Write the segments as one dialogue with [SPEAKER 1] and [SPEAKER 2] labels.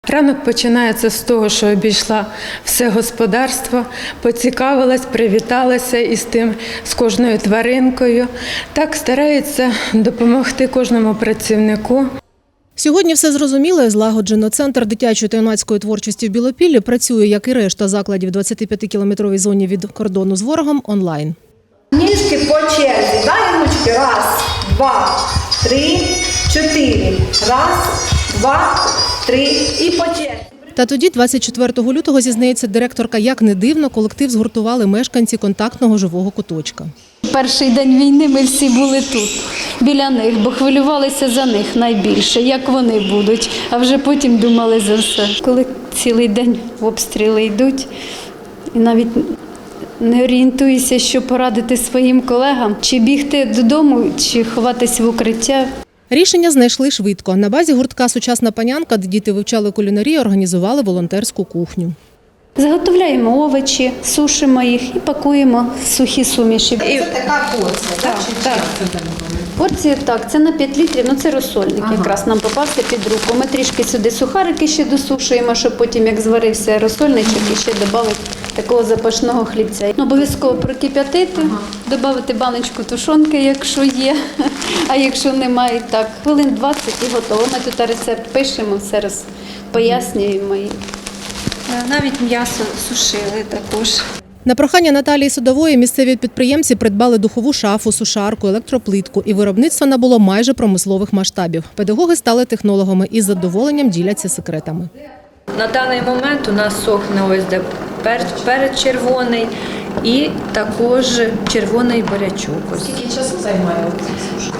[SPEAKER 1] Ранок починається з того, що обійшла все господарство, поцікавилась, привіталася з кожною тваринкою. Так старається допомогти кожному працівнику.
[SPEAKER 2] Сьогодні все зрозуміло і злагоджено. Центр дитячої та юнацької творчості в Білопіллі працює, як і решта закладів в 25-кілометровій зоні від кордону з ворогом, онлайн.
[SPEAKER 3] Ніжки по черзі. Дай ручки. Раз, два, три, чотири. Раз, два, три і по черзі.
[SPEAKER 2] Та тоді, 24 лютого, зізнається директорка, як не дивно, колектив згуртували мешканці контактного живого куточка.
[SPEAKER 4] Перший день війни ми всі були тут, біля них, бо хвилювалися за них найбільше, як вони будуть, а вже потім думали за все. Коли цілий день обстріли йдуть, і навіть не орієнтуюся, що порадити своїм колегам, чи бігти додому, чи ховатись в укриття.
[SPEAKER 2] Рішення знайшли швидко. На базі гуртка «Сучасна панянка», де діти вивчали кулінарію, організували волонтерську кухню.
[SPEAKER 4] Заготовляємо овочі, сушимо їх і пакуємо в сухі суміші.
[SPEAKER 3] Це така порція,
[SPEAKER 4] Так. Порції так, це на 5 літрів, це розсольник якраз нам попався під руку. Ми трішки сюди сухарики ще досушуємо, щоб потім, як зварився розсольничок, і ще додати такого запашного хлібця. Обов'язково прокип'ятити, додати баночку тушонки, якщо є, а якщо немає, так. Хвилин 20 і готово. Ми тут рецепт пишемо, все пояснюємо.
[SPEAKER 5] Навіть м'ясо сушили також.
[SPEAKER 2] На прохання Наталії Судової місцеві підприємці придбали духову шафу, сушарку, електроплитку, і виробництво набуло майже промислових масштабів. Педагоги стали технологами і з задоволенням діляться секретами.
[SPEAKER 6] На даний момент у нас сохне ось де перець червоний і також червоний бурячок.
[SPEAKER 3] Скільки часу займає сушка?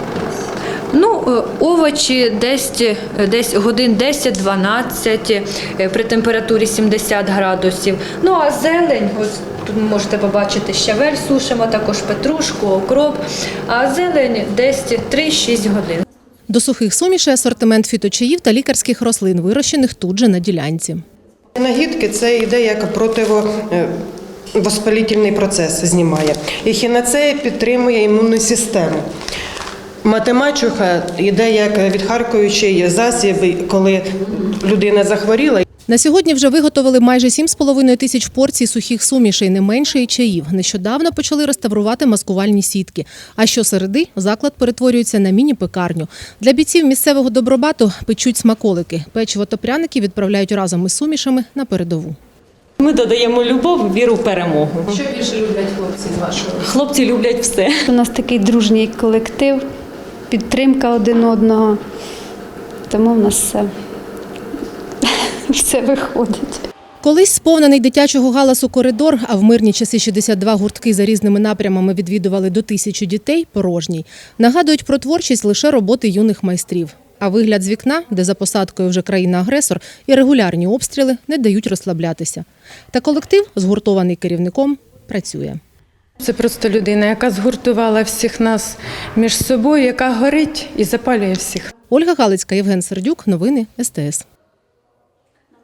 [SPEAKER 6] Овочі десь годин 10-12 при температурі 70 градусів. А зелень, ось тут можете побачити, щавель сушимо, також петрушку, окроп, а зелень десь 3-6 годин.
[SPEAKER 2] До сухих сумішей асортимент фіточаїв та лікарських рослин, вирощених тут же на ділянці.
[SPEAKER 7] Нагідки – це йде як противовоспалительний процес, знімає. Ехінацея підтримує імунну систему. Матемачуха йде як відхаркуючий засіб, коли людина захворіла.
[SPEAKER 2] На сьогодні вже виготовили майже 7,5 тисяч порцій сухих сумішей, не менше і чаїв. Нещодавно почали реставрувати маскувальні сітки. А щосереди заклад перетворюється на міні-пекарню. Для бійців місцевого добробату печуть смаколики. Печиво та пряники відправляють разом із сумішами на передову.
[SPEAKER 8] Ми додаємо любов, віру в перемогу.
[SPEAKER 3] Що більше люблять хлопці з вашого?
[SPEAKER 8] Хлопці люблять все.
[SPEAKER 4] У нас такий дружній колектив, підтримка один одного, тому в нас все виходить.
[SPEAKER 2] Колись сповнений дитячого галасу коридор, а в мирні часи 62 гуртки за різними напрямами відвідували до 1000 дітей, порожній. Нагадують про творчість лише роботи юних майстрів. А вигляд з вікна, де за посадкою вже країна-агресор, і регулярні обстріли не дають розслаблятися. Та колектив, згуртований керівником, працює.
[SPEAKER 1] Це просто людина, яка згуртувала всіх нас між собою, яка горить і запалює всіх.
[SPEAKER 2] Ольга Галицька, Євген Сердюк. Новини СТС.